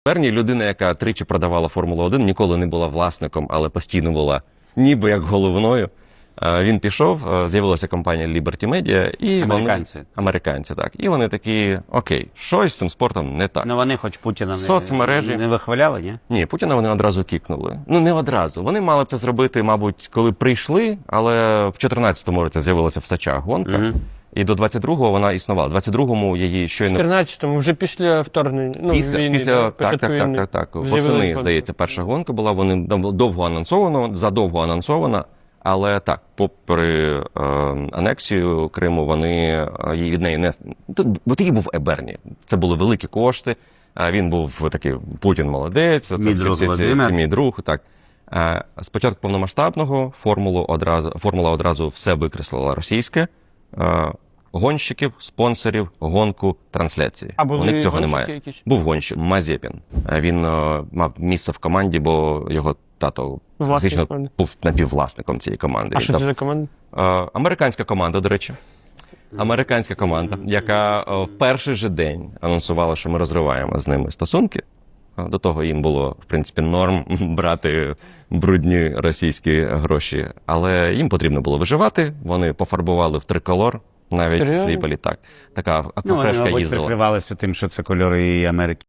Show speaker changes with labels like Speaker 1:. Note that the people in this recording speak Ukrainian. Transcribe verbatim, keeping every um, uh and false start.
Speaker 1: Берні, людина, яка тричі продавала Формулу один, ніколи не була власником, але постійно була ніби як головною. Він пішов, з'явилася компанія Liberty Media, і
Speaker 2: Американці.
Speaker 1: Вони, американці, так. І вони такі, окей, щось з цим спортом не так.
Speaker 2: Ну вони хоч Путіна
Speaker 1: Соцмережі.
Speaker 2: не, не вихваляли, ні?
Speaker 1: Ні, Путіна вони одразу кікнули. Ну, не одразу. Вони мали б це зробити, мабуть, коли прийшли, але в чотирнадцятому році з'явилася в Сачах гонка.
Speaker 2: Угу.
Speaker 1: І до двадцять другого вона існувала. В двадцять другому її щойно...
Speaker 3: В чотирнадцятому, вже після вторгнення, ну,
Speaker 1: Після,
Speaker 3: війни,
Speaker 1: після, так,
Speaker 3: початку
Speaker 1: так, так,
Speaker 3: війни.
Speaker 1: так, так.
Speaker 3: З'явилась
Speaker 1: Восени,
Speaker 3: гонка.
Speaker 1: здається, перша гонка була, вони довго анонсовано, задовго анонсована, але так, попри е, анексію Криму, вони е, її від неї не... Бо тоді був Берні, це були великі кошти, е, він був такий, Путін молодець, це
Speaker 2: Мій
Speaker 1: всі,
Speaker 2: друг
Speaker 1: всі, всі,
Speaker 2: Володимир.
Speaker 1: мій друг, так. Е, спочатку повномасштабного формулу одразу, формула одразу все викреслила російське, е, гонщиків, спонсорів, гонку, трансляції.
Speaker 3: А були
Speaker 1: У них цього
Speaker 3: гонщики
Speaker 1: немає.
Speaker 3: якісь?
Speaker 1: Був гонщик Мазепін. Він е, мав місце в команді, бо його тато
Speaker 3: Власник
Speaker 1: фактично
Speaker 3: команди.
Speaker 1: був напіввласником цієї команди.
Speaker 3: А
Speaker 1: Він
Speaker 3: що
Speaker 1: там-
Speaker 3: це за команда?
Speaker 1: Е, американська команда, до речі. Американська команда, яка е, в перший же день анонсувала, що ми розриваємо з ними стосунки. Е, До того їм було, в принципі, норм брати брудні російські гроші. Але їм потрібно було виживати. Вони пофарбували в триколор навіть
Speaker 3: Серйозно?
Speaker 1: свій політак. Така
Speaker 2: Ну, вони,
Speaker 1: аквафрешка
Speaker 2: мабуть,
Speaker 1: їздила.
Speaker 2: прикривалися тим, що це кольори Америки.